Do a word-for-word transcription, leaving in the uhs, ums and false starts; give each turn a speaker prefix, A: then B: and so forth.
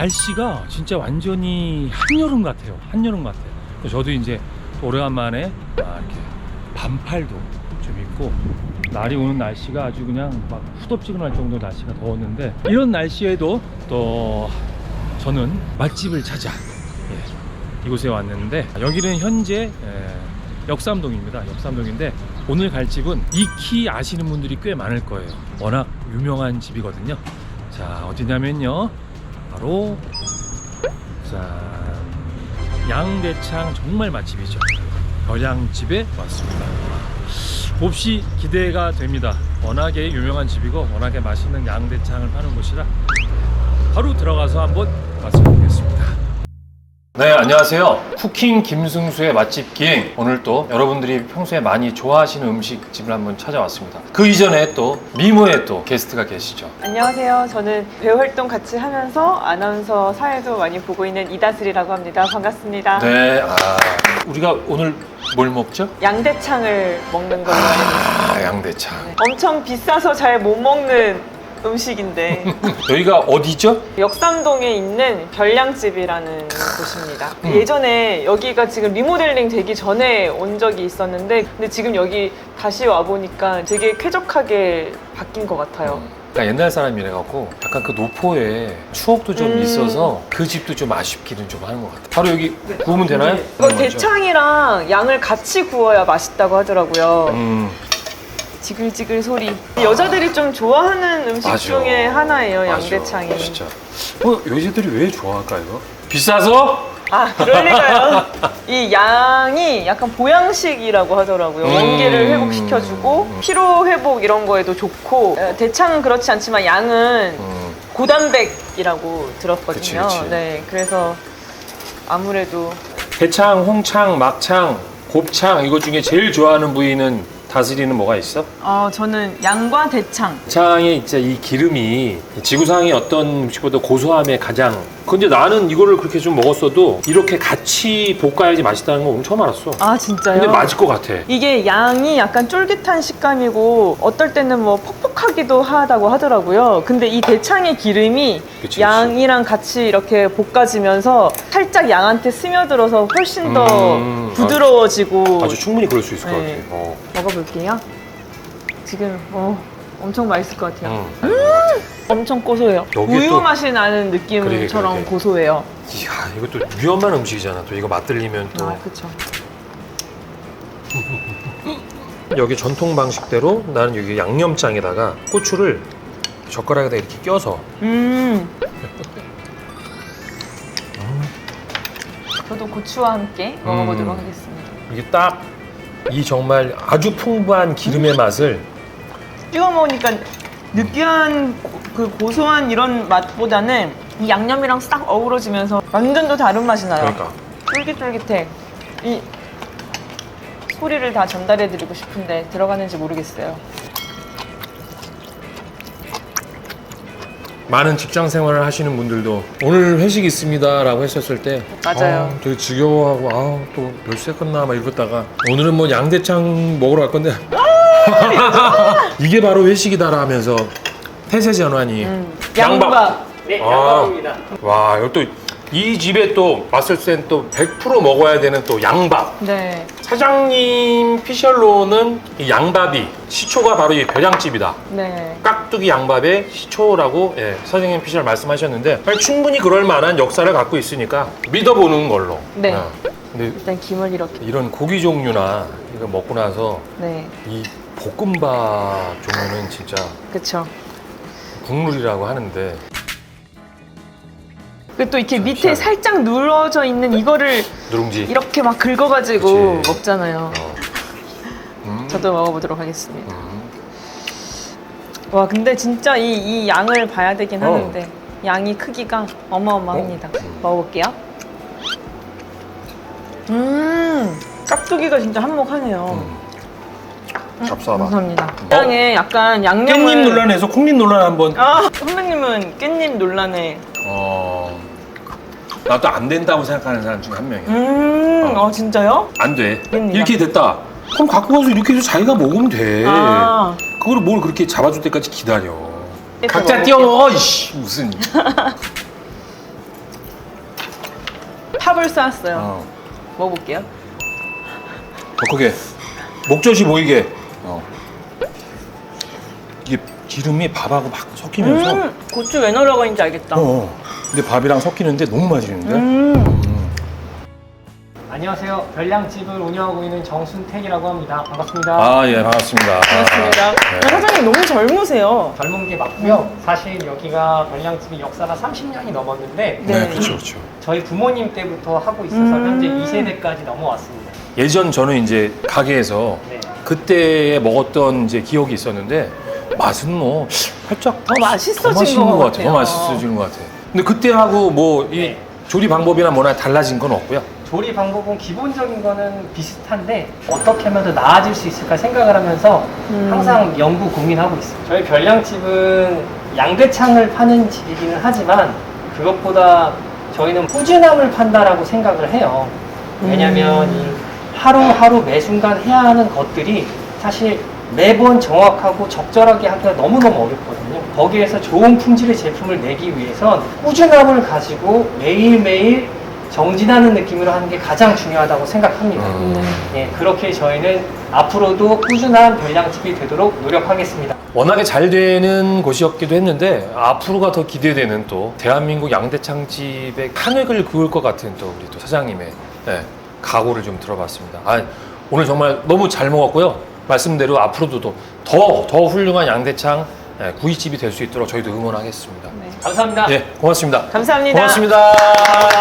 A: 날씨가 진짜 완전히 한여름 같아요. 한여름 같아요. 저도 이제 오래간만에 아, 이렇게 반팔도 좀 입고, 날이 오는 날씨가 아주 그냥 막 후덥지근할 정도로 날씨가 더웠는데, 이런 날씨에도 또 저는 맛집을 찾아 예, 이곳에 왔는데, 여기는 현재 예, 역삼동입니다. 역삼동인데 오늘 갈 집은 익히 아시는 분들이 꽤 많을 거예요. 워낙 유명한 집이거든요. 자, 어디냐면요, 바로 자, 양대창 정말 맛집이죠. 별양집에 왔습니다. 몹시 기대가 됩니다. 워낙에 유명한 집이고 워낙에 맛있는 양대창을 파는 곳이라 바로 들어가서 한번 맛을보겠습니다. 네, 안녕하세요. 쿠킹 김승수의 맛집 기행. 오늘 또 여러분들이 평소에 많이 좋아하시는 음식집을 한번 찾아왔습니다. 그 이전에 또 미모의 또 게스트가 계시죠.
B: 안녕하세요. 저는 배우 활동 같이 하면서 아나운서 사회도 많이 보고 있는 이다슬이라고 합니다. 반갑습니다.
A: 네, 아, 우리가 오늘 뭘 먹죠?
B: 양대창을 먹는 걸로 알고 있습니다.
A: 아, 양대창.
B: 네. 엄청 비싸서 잘 못 먹는 음식인데
A: 여기가 어디죠?
B: 역삼동에 있는 별량집이라는 곳입니다.
A: 음.
B: 예전에 여기가 지금 리모델링 되기 전에 온 적이 있었는데, 근데 지금 여기 다시 와보니까 되게 쾌적하게 바뀐 것 같아요.
A: 그러니까 옛날 사람이래갖고 약간 그 노포에 추억도 좀
B: 음.
A: 있어서 그 집도 좀 아쉽기는 좀 하는 것 같아요. 바로 여기 구우면 되나요?
B: 이거 대창이랑 양을 같이 구워야 맛있다고 하더라고요.
A: 음.
B: 지글지글 소리. 여자들이 좀 좋아하는 음식
A: 맞아.
B: 중에 하나예요,
A: 맞아.
B: 양대창이.
A: 진짜. 어, 여자들이 왜 좋아할까 이거? 비싸서?
B: 아, 그럴 리가요. 이 양이 약간 보양식이라고 하더라고요.
A: 음.
B: 원기를 회복시켜주고 피로 회복 이런 거에도 좋고, 어, 대창은 그렇지 않지만 양은
A: 음.
B: 고단백이라고 들었거든요.
A: 그치, 그치.
B: 네, 그래서 아무래도
A: 대창, 홍창, 막창, 곱창 이거 중에 제일 좋아하는 부위는 다스리는 뭐가 있어?
B: 어, 저는 양과 대창.
A: 대창의 이제 이 기름이 지구상의 어떤 음식보다 고소함에 가장. 근데 나는 이거를 그렇게 좀 먹었어도 이렇게 같이 볶아야지 맛있다는 거 오늘 처음 알았어.
B: 아, 진짜요?
A: 근데 맞을 것 같아.
B: 이게 양이 약간 쫄깃한 식감이고 어떨 때는 뭐 퍽퍽하기도 하다고 하더라고요. 근데 이 대창의 기름이
A: 그치,
B: 양이랑 같이 이렇게 볶아지면서 살짝 양한테 스며들어서 훨씬 더
A: 음,
B: 부드러워지고.
A: 아주 충분히 그럴 수 있을 것
B: 네.
A: 같아. 어.
B: 먹어볼게요. 지금 어, 엄청 맛있을 것 같아요.
A: 음.
B: 엄청 고소해요.
A: 여기에
B: 우유
A: 또-
B: 맛이 나는 느낌처럼
A: 그래, 그래, 그래.
B: 고소해요.
A: 이야, 이것도 위험한 음식이잖아. 또 이거 맛들리면 또.
B: 아, 그쵸.
A: 여기 전통 방식대로 나는 여기 양념장에다가 고추를 젓가락에다 이렇게 껴서.
B: 음. 저도 고추와 함께 먹어보도록
A: 음.
B: 하겠습니다.
A: 이게 딱 이 정말 아주 풍부한 기름의 맛을.
B: 찍어 먹으니까 느끼한 고- 그 고소한 이런 맛보다는 이 양념이랑 싹 어우러지면서 완전 또 다른 맛이 나요.
A: 그러니까.
B: 쫄깃쫄깃해. 이 소리를 다 전달해드리고 싶은데 들어가는지 모르겠어요.
A: 많은 직장 생활을 하시는 분들도 오늘 회식 있습니다 라고 했었을 때
B: 맞아요.
A: 아, 되게 지겨워하고 아, 또 몇 시에 끝나 막 이러다가 오늘은 뭐 양대창 먹으러 갈 건데 이게 바로 회식이다 하면서 태세 전환이.
B: 음, 양밥. 네,
A: 아.
B: 양밥입니다.
A: 와, 이거 또 이 집에 또 왔을 땐 또 백 퍼센트 먹어야 되는 또 양밥.
B: 네.
A: 사장님 피셜로는 이 양밥이 시초가 바로 이 별양집이다.
B: 네.
A: 깍두기 양밥의 시초라고 예, 선생님 피셜 말씀하셨는데 아니, 충분히 그럴 만한 역사를 갖고 있으니까 믿어보는 걸로.
B: 네.
A: 어. 근데
B: 일단 김을 이렇게.
A: 이런 고기 종류나 이거 먹고 나서
B: 네.
A: 이 볶음밥 종류는 진짜
B: 그쵸.
A: 국룰이라고 하는데
B: 그리고 또 이렇게 밑에
A: 희한해.
B: 살짝 눌러져 있는 이거를
A: 누룽지.
B: 이렇게 막 긁어가지고
A: 그치.
B: 먹잖아요.
A: 어. 음.
B: 저도 먹어보도록 하겠습니다.
A: 음.
B: 와, 근데 진짜 이, 이 양을 봐야 되긴
A: 어.
B: 하는데 양이 크기가 어마어마합니다.
A: 어. 음.
B: 먹어볼게요. 음, 깍두기가 진짜 한몫하네요.
A: 음. 잡숴봐.
B: 감사합니다. 양에 약간 양념을.
A: 깻잎 논란에서 콩잎 논란 한번.
B: 아, 선배님은 깻잎 논란에.
A: 어. 나도 안 된다고 생각하는 사람 중에 한 명이야.
B: 음,
A: 어.
B: 아 진짜요?
A: 안 돼.
B: 됩니다.
A: 이렇게 됐다. 그럼 갖고 가서 이렇게 해서 자기가 먹으면 돼.
B: 아.
A: 그걸 뭘 그렇게 잡아줄 때까지 기다려.
B: 이렇게
A: 각자
B: 먹을게요.
A: 띄워 먹어. 이씨 무슨.
B: 탑을 쌓았어요.
A: 어.
B: 먹어볼게요.
A: 더 크게 목젖이 보이게. 어. 이게 기름이 밥하고 막 섞이면서.
B: 음, 고추 왜 넣으라고 했는지 알겠다.
A: 어, 어. 근데 밥이랑 섞이는데 너무 맛있는데.
B: 음.
A: 음.
C: 안녕하세요. 별량집을 운영하고 있는 정순택이라고 합니다. 반갑습니다.
A: 아, 예, 반갑습니다.
B: 반갑습니다.
A: 네.
B: 사장님 너무 젊으세요.
C: 젊은 게 맞고요. 사실 여기가 별량집이 역사가 삼십 년이 넘었는데
B: 네.
A: 네, 그렇죠, 그렇죠.
C: 저희 부모님 때부터 하고 있어서
B: 음.
C: 현재 이 세대까지 넘어왔습니다.
A: 예전 저는 이제 가게에서
C: 네.
A: 그때 먹었던 이제 기억이 있었는데 맛은 뭐 살짝
B: 더 맛있어진
A: 더 맛있는
B: 것
A: 것 같아요. 더
B: 같아요.
A: 맛있어지는 것 같아요. 근데 그때하고 뭐 이
C: 네.
A: 조리 방법이나 뭐나 달라진 건 없고요.
C: 조리 방법은 기본적인 거는 비슷한데 어떻게 하면 더 나아질 수 있을까 생각을 하면서
B: 음.
C: 항상 연구 고민하고 있어요. 저희 별량집은 양대창을 파는 집이기는 하지만 그것보다 저희는 꾸준함을 판다라고 생각을 해요. 왜냐면 이 하루하루 매 순간 해야 하는 것들이 사실 매번 정확하고 적절하게 하기가 너무너무 어렵거든요. 거기에서 좋은 품질의 제품을 내기 위해선 꾸준함을 가지고 매일매일 정진하는 느낌으로 하는 게 가장 중요하다고 생각합니다.
A: 음.
C: 예, 그렇게 저희는 앞으로도 꾸준한 별량집이 되도록 노력하겠습니다.
A: 워낙에 잘 되는 곳이었기도 했는데 앞으로가 더 기대되는 또 대한민국 양대창집의 한 획을 그을 것 같은 또 우리 또 사장님의 네, 각오를 좀 들어봤습니다. 아, 오늘 정말 너무 잘 먹었고요. 말씀대로 앞으로도 더, 더 훌륭한 양대창 네, 구이집이 될 수 있도록 저희도 응원하겠습니다.
B: 네.
C: 감사합니다.
A: 예, 고맙습니다.
B: 감사합니다.
A: 고맙습니다.